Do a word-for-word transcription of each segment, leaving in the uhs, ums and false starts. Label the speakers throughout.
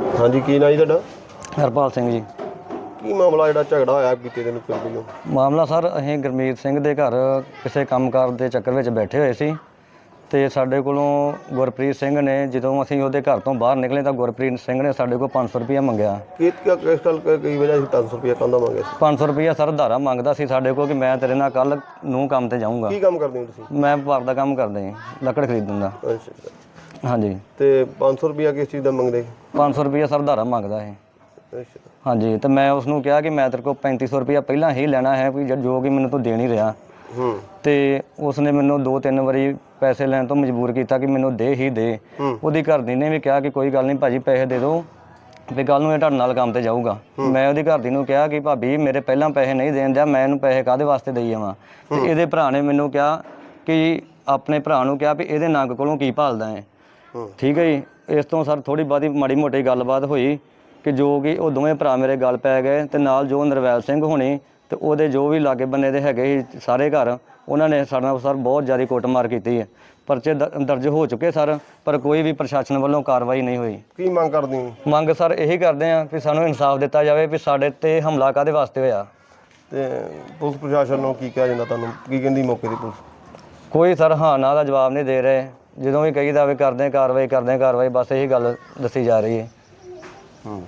Speaker 1: हाँ जी, की ना जी तुहाडा?
Speaker 2: हरपाल सिंह जी।
Speaker 1: की मामला जिहड़ा झगड़ा होया बीते दिन पिंड?
Speaker 2: मामला सर ਅਸੀਂ ਗੁਰਮੀਤ ਸਿੰਘ ਦੇ ਘਰ ਕਿਸੇ ਕੰਮਕਾਰ ਦੇ ਚੱਕਰ ਵਿੱਚ ਬੈਠੇ ਹੋਏ ਸੀ ਤੇ ਸਾਡੇ ਕੋਲੋਂ ਗੁਰਪ੍ਰੀਤ ਸਿੰਘ ਨੇ ਜਦੋਂ ਅਸੀਂ ਉਹਦੇ ਘਰ ਤੋਂ ਬਾਹਰ ਨਿਕਲੇ ਤਾਂ ਗੁਰਪ੍ਰੀਤ ਸਿੰਘ ਨੇ ਸਾਡੇ ਕੋਲ ਪੰਜ ਸੌ ਰੁਪਇਆ ਮੰਗਿਆ।
Speaker 1: ਕਿਸ ਕਿਸ ਗੱਲ ਕੀ ਵਜ੍ਹਾ ਸੀ ਪੰਜ ਸੌ ਰੁਪਇਆ ਕਹਿੰਦਾ ਮੰਗਿਆ ਸੀ?
Speaker 2: ਪੰਜ ਸੌ ਰੁਪਇਆ ਸਰ ਧਾਰਾ ਮੰਗਦਾ ਸੀ ਸਾਡੇ ਕੋਲ ਕਿ ਮੈਂ ਤੇਰੇ ਨਾਲ ਕੱਲ ਨੂੰ ਕੰਮ ਤੇ ਜਾਊਂਗਾ।
Speaker 1: ਕੀ ਕੰਮ ਕਰਦੇ ਹੋ ਤੁਸੀਂ?
Speaker 2: ਮੈਂ ਵਪਾਰ ਦਾ ਕੰਮ ਕਰਦਾ ਹਾਂ, ਲੱਕੜ ਖਰੀਦਣ ਦਾ।
Speaker 1: ਅੱਛਾ।
Speaker 2: ਹਾਂਜੀ।
Speaker 1: ਤੇ ਪੰਜ ਸੌ ਰੁਪਇਆ ਕਿਸ ਚੀਜ਼ ਦਾ ਮੰਗਦੇ?
Speaker 2: ਪੰਜ ਸੌ ਰੁਪਇਆ ਸਰ ਧਾਰਾ ਮੰਗਦਾ ਹੈ।
Speaker 1: ਅੱਛਾ।
Speaker 2: ਹਾਂਜੀ। ਤੇ ਮੈਂ ਉਸ ਨੂੰ ਕਿਹਾ ਕਿ ਮੈਂ ਤੇਰੇ ਕੋਲ ਪੈਂਤੀ ਸੌ ਰੁਪਇਆ ਪਹਿਲਾਂ ਹੀ ਲੈਣਾ ਹੈ ਵੀ ਜੋ ਕਿ ਮੈਨੂੰ ਤੂੰ ਦੇ ਨਹੀਂ ਰਿਹਾ।
Speaker 1: ਹੂੰ। ਤੇ
Speaker 2: ਉਸਨੇ ਮੈਨੂੰ ਦੋ ਤਿੰਨ ਵਾਰੀ ਪੈਸੇ ਲੈਣ ਤੋਂ ਮਜਬੂਰ ਕੀਤਾ ਕਿ ਮੈਨੂੰ ਦੇ ਹੀ ਦੇ। ਉਹਦੀ ਘਰਦੀ ਨੇ ਵੀ ਕਿਹਾ ਕਿ ਕੋਈ ਗੱਲ ਨਹੀਂ ਭਾਜੀ ਪੈਸੇ ਦੇ ਦਿਓ ਵੀ ਕੱਲ ਨੂੰ ਇਹ ਤੁਹਾਡੇ ਨਾਲ ਕੰਮ ਤੇ ਜਾਊਗਾ। ਮੈਂ ਉਹਦੀ ਘਰਦੀ ਨੂੰ ਕਿਹਾ ਕਿ ਭਾਬੀ ਮੇਰੇ ਪਹਿਲਾਂ ਪੈਸੇ ਨਹੀਂ ਦੇਣ ਦਿਆ, ਮੈਂ ਇਹਨੂੰ ਪੈਸੇ ਕਾਹਦੇ ਵਾਸਤੇ ਦੇਈ ਜਾਵਾਂ। ਤੇ ਇਹਦੇ ਭਰਾ ਨੇ ਮੈਨੂੰ ਕਿਹਾ ਕਿ ਆਪਣੇ ਭਰਾ ਨੂੰ ਕਿਹਾ ਵੀ ਇਹਦੇ ਨੰਗ ਕੋਲੋਂ ਕੀ ਭਾਲਦਾ ਹੈ। ਠੀਕ ਹੈ ਜੀ। ਇਸ ਤੋਂ ਸਰ ਥੋੜ੍ਹੀ ਬਹੁਤੀ ਮਾੜੀ ਮੋਟੀ ਗੱਲਬਾਤ ਹੋਈ ਕਿ ਜੋ ਕਿ ਉਹ ਦੋਵੇਂ ਭਰਾ ਮੇਰੇ ਗੱਲ ਪੈ ਗਏ ਤੇ ਨਾਲ ਜੋ ਨਰਵੈਲ ਸਿੰਘ ਹੋਣੀ ਤੇ ਉਹਦੇ ਜੋ ਵੀ ਲਾਗੇ ਬੰਨੇ ਦੇ ਹੈਗੇ ਸੀ ਸਾਰੇ ਘਰ, ਉਹਨਾਂ ਨੇ ਸਾਡੇ ਨਾਲ ਸਰ ਬਹੁਤ ਜ਼ਿਆਦਾ ਕੁੱਟਮਾਰ ਕੀਤੀ ਹੈ। ਪਰਚੇ ਦਰਜ ਹੋ ਚੁੱਕੇ ਸਰ, ਪਰ ਕੋਈ ਵੀ ਪ੍ਰਸ਼ਾਸਨ ਵੱਲੋਂ ਕਾਰਵਾਈ ਨਹੀਂ ਹੋਈ।
Speaker 1: ਕੀ ਮੰਗ ਕਰਦੇ ਹੋ?
Speaker 2: ਮੰਗ ਸਰ ਇਹੀ ਕਰਦੇ ਹਾਂ ਕਿ ਸਾਨੂੰ ਇਨਸਾਫ ਦਿੱਤਾ ਜਾਵੇ ਵੀ ਸਾਡੇ ਤੇ ਹਮਲਾ ਕਾਹਦੇ ਵਾਸਤੇ ਹੋਇਆ।
Speaker 1: ਤੇ ਪੁਲਿਸ ਪ੍ਰਸ਼ਾਸਨ ਨੂੰ ਕੀ ਕਿਹਾ ਜਾਂਦਾ, ਤੁਹਾਨੂੰ ਕੀ ਕਹਿੰਦੀ ਮੌਕੇ ਦੀ ਪੁਲਿਸ?
Speaker 2: ਕੋਈ ਸਰ ਹਾਂ ਨਾ ਦਾ ਜਵਾਬ ਨਹੀਂ ਦੇ ਰਹੇ। ਜਦੋਂ ਵੀ ਕਹੀਦਾ ਵੀ ਕਰਦੇ ਕਾਰਵਾਈ ਕਰਦੇ ਕਾਰਵਾਈ ਬਸ ਇਹੀ ਗੱਲ ਦੱਸੀ ਜਾ ਰਹੀ ਹੈ।
Speaker 1: ਹੂੰ।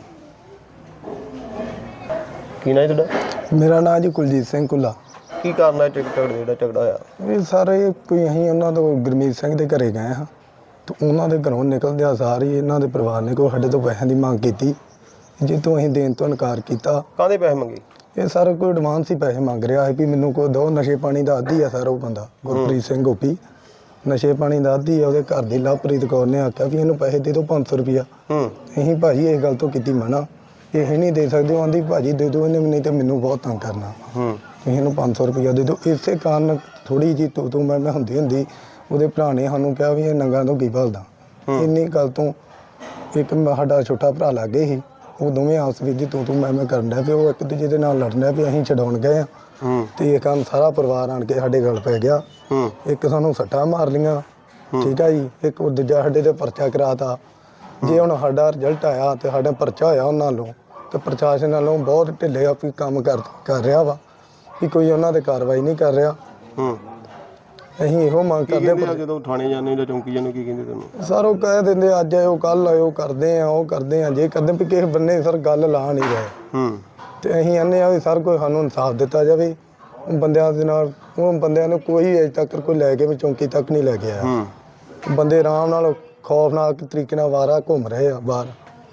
Speaker 1: ਕੀ ਨਾਂ ਜੀ ਤੁਹਾਡਾ?
Speaker 3: ਮੇਰਾ ਨਾਂ ਜੀ ਕੁਲਜੀਤ ਸਿੰਘ ਕੁੱਲਾ।
Speaker 1: ਕੀ ਕਾਰਨ ਹੈ ਝਗੜਾ ਜਿਹੜਾ ਝਗੜਾ ਹੋਇਆ?
Speaker 3: ਇਹ ਸਾਰੇ ਕੋਈ ਅਸੀਂ ਉਹਨਾਂ ਤੋਂ ਗੁਰਮੀਤ ਸਿੰਘ ਦੇ ਘਰੇ ਗਏ ਹਾਂ ਤੇ ਉਹਨਾਂ ਦੇ ਘਰੋਂ ਨਿਕਲਦਿਆਂ ਸਾਰ ਹੀ ਇਹਨਾਂ ਦੇ ਪਰਿਵਾਰ ਨੇ ਕੋਈ ਸਾਡੇ ਤੋਂ ਪੈਸਿਆਂ ਦੀ ਮੰਗ ਕੀਤੀ, ਜਿੱਥੋਂ ਅਸੀਂ ਦੇਣ ਤੋਂ ਇਨਕਾਰ ਕੀਤਾ।
Speaker 1: ਕਾਹਦੇ ਪੈਸੇ ਮੰਗੇ?
Speaker 3: ਇਹ ਸਾਰਾ ਕੋਈ ਐਡਵਾਂਸ ਹੀ ਪੈਸੇ ਮੰਗ ਰਿਹਾ ਹੈ ਵੀ ਮੈਨੂੰ ਕੋਈ ਦੋ, ਨਸ਼ੇ ਪਾਣੀ ਦਾ ਆਦੀ ਆ ਸਰ ਉਹ ਬੰਦਾ ਗੁਰਪ੍ਰੀਤ ਸਿੰਘ ਗੋਪੀ, ਨਸ਼ੇ ਪਾਣੀ ਦਾ ਆਦੀ ਆ। ਉਹਦੇ ਘਰ ਦੀ ਲਵਪ੍ਰੀਤ ਕੌਰ ਨੇ ਆਖਿਆ ਵੀ ਇਹਨੂੰ ਪੈਸੇ ਦੇ ਦਿਓ ਪੰਜ ਸੌ ਰੁਪਇਆ। ਅਸੀਂ ਭਾਜੀ ਇਸ ਗੱਲ ਤੋਂ ਕੀਤੀ ਮਨਾ, ਇਹ ਨਹੀਂ ਦੇ ਸਕਦੇ। ਉਹ ਆਂਦੀ ਭਾਜੀ ਦੇ ਦਿਓ ਇਹਨੇ, ਨਹੀਂ ਤਾਂ ਮੈਨੂੰ ਬਹੁਤ ਤੰਗ ਕਰਨਾ। ਤੁਸੀਂ ਇਹਨੂੰ ਪੰਜ ਸੌ ਰੁਪਇਆ ਦੇ ਦਿਓ। ਇਸੇ ਕਾਰਨ ਥੋੜ੍ਹੀ ਜਿਹੀ ਤੂੰ ਤੂੰ ਮੈਂ ਮੈਂ ਹੁੰਦੀ ਹੁੰਦੀ ਉਹਦੇ ਭਰਾ ਨੇ ਸਾਨੂੰ ਕਿਹਾ ਵੀ ਇਹ ਨੰਗਾਂ ਤੋਂ ਕੀ ਭਾਲਦਾ। ਇੰਨੀ ਗੱਲ ਤੋਂ ਇੱਕ ਸਾਡਾ ਛੋਟਾ ਭਰਾ ਲਾਗੇ ਸੀ, ਉਹ ਦੋਵੇਂ ਆਪਸ ਵਿੱਚ ਤੂੰ ਤੂੰ ਮੈਂ ਮੈਂ ਕਰਨ ਡਿਆ ਪਿਆ। ਉਹ ਇੱਕ ਦੂਜੇ ਦੇ ਨਾਲ ਲੜਨ ਡਿਆ ਵੀ ਅਸੀਂ ਛਡਾਉਣ ਗਏ ਹਾਂ ਤੇ ਇਹ ਕੰਮ ਸਾਰਾ ਪਰਿਵਾਰ ਆਣ ਕੇ ਸਾਡੇ ਗਲ ਪੈ ਗਿਆ। ਇੱਕ ਸਾਨੂੰ ਸੱਟਾਂ ਮਾਰ ਲਈਆਂ, ਠੀਕ ਆ ਜੀ। ਇੱਕ ਉਹ ਦੂਜਾ ਸਾਡੇ ਤੇ ਪਰਚਾ ਕਰਾਤਾ। ਜੇ ਹੁਣ ਸਾਡਾ ਰਿਜ਼ਲਟ ਆਇਆ ਤੇ ਸਾਡਾ ਪਰਚਾ ਹੋਇਆ ਉਹਨਾਂ ਨਾਲੋਂ ਤੇ ਪ੍ਰਸ਼ਾਸਨ ਨਾਲੋਂ ਬਹੁਤ ਢਿੱਲੇ ਆਪੀ ਕੰਮ ਕਰ ਕਰ ਰਿਹਾ ਵਾ ਕਿ ਕੋਈ ਉਹਨਾਂ ਤੇ ਕਾਰਵਾਈ ਨਹੀਂ ਕਰ ਰਿਹਾ। ਅਸੀਂ ਇਹੋ ਮੰਗ ਕਰਦੇ ਹਾਂ।
Speaker 1: ਜਦੋਂ ਥਾਣੇ ਜਾਂਦੇ ਜਾਂ ਚੌਂਕੀ ਜਾਂਦੇ ਕੀ ਕਹਿੰਦੇ ਤੁਹਾਨੂੰ?
Speaker 3: ਸਰ ਉਹ ਕਹਿ ਦਿੰਦੇ ਅੱਜ ਆਇਓ ਕੱਲ ਆਇਓ, ਕਰਦੇ ਆ ਉਹ ਕਰਦੇ ਆ ਜੇ ਕਰਦੇ ਵੀ ਕਿਸੇ ਬੰਨੇ ਸਰ ਗੱਲ ਲਾ ਨਹੀਂ ਰਹੇ। ਤੇ ਅਸੀਂ ਆਨੇ ਆ ਵੀ ਸਰ ਕੋਈ ਸਾਨੂੰ ਇਨਸਾਫ ਦਿੱਤਾ ਜਾਵੇ। ਬੰਦਿਆਂ ਦੇ ਨਾਲ ਉਹ ਬੰਦਿਆਂ ਨੂੰ ਕੋਈ ਅਜੇ ਤੱਕ ਕੋਈ ਲੈ ਕੇ ਵੀ ਚੌਂਕੀ ਤੱਕ ਨਹੀਂ ਲੈ ਕੇ ਆਇਆ। ਬੰਦੇ ਆਰਾਮ ਨਾਲ ਖੌਫਨਾਕ ਤਰੀਕੇ ਨਾਲ ਵਾਰਾ ਘੁੰਮ ਰਹੇ ਆ ਬਾਹਰ।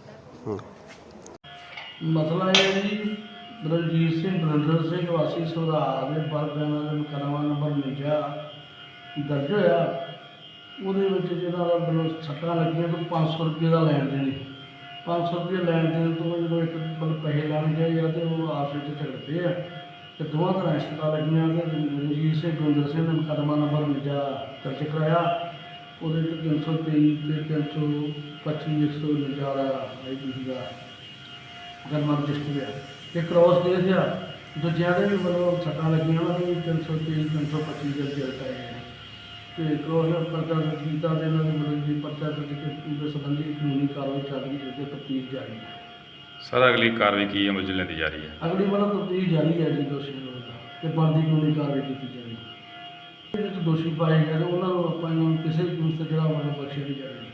Speaker 4: ਮਸਲਾ ਇਹ ਹੈ ਜੀ, ਰਣਜੀਤ ਸਿੰਘ ਨਰਿੰਦਰ ਸਿੰਘ ਵਾਸੀ ਸੁਧਾਰ ਦੇ ਬਰਗਾਨਾ ਦੇ ਮੁਕੱਦਮਾ ਨੰਬਰ ਉਣੰਜਾ ਦਰਜ ਹੋਇਆ। ਉਹਦੇ ਵਿੱਚ ਜਿਹਨਾਂ ਦਾ ਮੈਨੂੰ ਸੱਟਾਂ ਲੱਗੀਆਂ ਤੋਂ ਪੰਜ ਸੌ ਰੁਪਏ ਦਾ ਲੈਣ ਦੇਣ ਪੰਜ ਸੌ ਰੁਪਏ ਲੈਣ ਦੇਣ ਤੋਂ ਜਦੋਂ ਇੱਕ ਮਤਲਬ ਪੈਸੇ ਲੈਣ ਗਏ ਜਾਂ ਤਾਂ ਉਹ ਆਪਸ ਵਿੱਚ ਝਗੜਦੇ ਆ ਅਤੇ ਦੋਵਾਂ ਤਰ੍ਹਾਂ ਸੱਟਾਂ ਲੱਗੀਆਂ। ਅਤੇ ਰਣਜੀਤ ਸਿੰਘ ਗੁਰਿੰਦਰ ਸਿੰਘ ਨੇ ਮੁਕੱਦਮਾ ਨੰਬਰ ਉਣੰਜਾ ਦਰਜ ਕਰਾਇਆ। ਉਹਦੇ 'ਚ ਤਿੰਨ ਸੌ ਤੇਈ ਅਤੇ ਤਿੰਨ ਸੌ ਪੱਚੀ ਇੱਕ ਸੌ ਉਣੰਜਾ ਦਾ ਆਈ ਪੀ ਸੀ ਦਾ ਮੁਕੱਦਮਾ ਰਜਿਸਟਰ ਆ। ਇਹ ਕ੍ਰੋਸ ਕੇਸ ਆ। ਦੂਜਿਆਂ ਦੇ ਵੀ ਮਤਲਬ ਸੱਟਾਂ ਲੱਗੀਆਂ ਉਹਨਾਂ ਦੇ ਵੀ ਤਿੰਨ ਸੌ ਤੇਈ ਤਿੰਨ ਸੌ ਪੱਚੀ ਦੇ ਰਿਜ਼ਲਟ ਆਏ ਆ ਅਤੇ ਕ੍ਰੋਸ ਪਰਚਾ ਦਰਜ ਕੀਤਾ ਅਤੇ ਇਹਨਾਂ ਦੇ ਮਤਲਬ ਜੀ ਪਰਚਾ ਦਰਜ ਦੇ ਸੰਬੰਧੀ ਕਾਨੂੰਨੀ ਕਾਰਵਾਈ ਚੱਲ ਰਹੀ ਹੈ, ਤਫਤੀਸ਼ ਜਾਰੀ ਹੈ।
Speaker 5: ਸਰ ਅਗਲੀ ਕਾਰਵਾਈ ਕੀ ਅਮਲ 'ਚ ਲੈਂਦੀ ਜਾ ਰਹੀ ਹੈ?
Speaker 4: ਅਗਲੀ ਮਤਲਬ ਤਫਤੀਸ਼ ਜਾਰੀ ਹੈ ਜੀ ਦੋਸ਼ੀਆਂ ਨੂੰ ਅਤੇ ਬਣਦੀ ਕਾਨੂੰਨੀ ਕਾਰਵਾਈ ਕੀਤੀ ਜਾਵੇਗੀ। ਇਹਦੇ ਵਿੱਚ ਦੋਸ਼ੀ ਪਾਏ ਗਏ ਉਹਨਾਂ ਨੂੰ ਆਪਾਂ ਇਹਨਾਂ ਨੂੰ ਕਿਸੇ ਵੀ ਕਿਸਮ ਤੇ ਜਿਹੜਾ ਮਤਲਬ ਬਖਸ਼ਿਆ ਨਹੀਂ ਜਾਵੇਗਾ।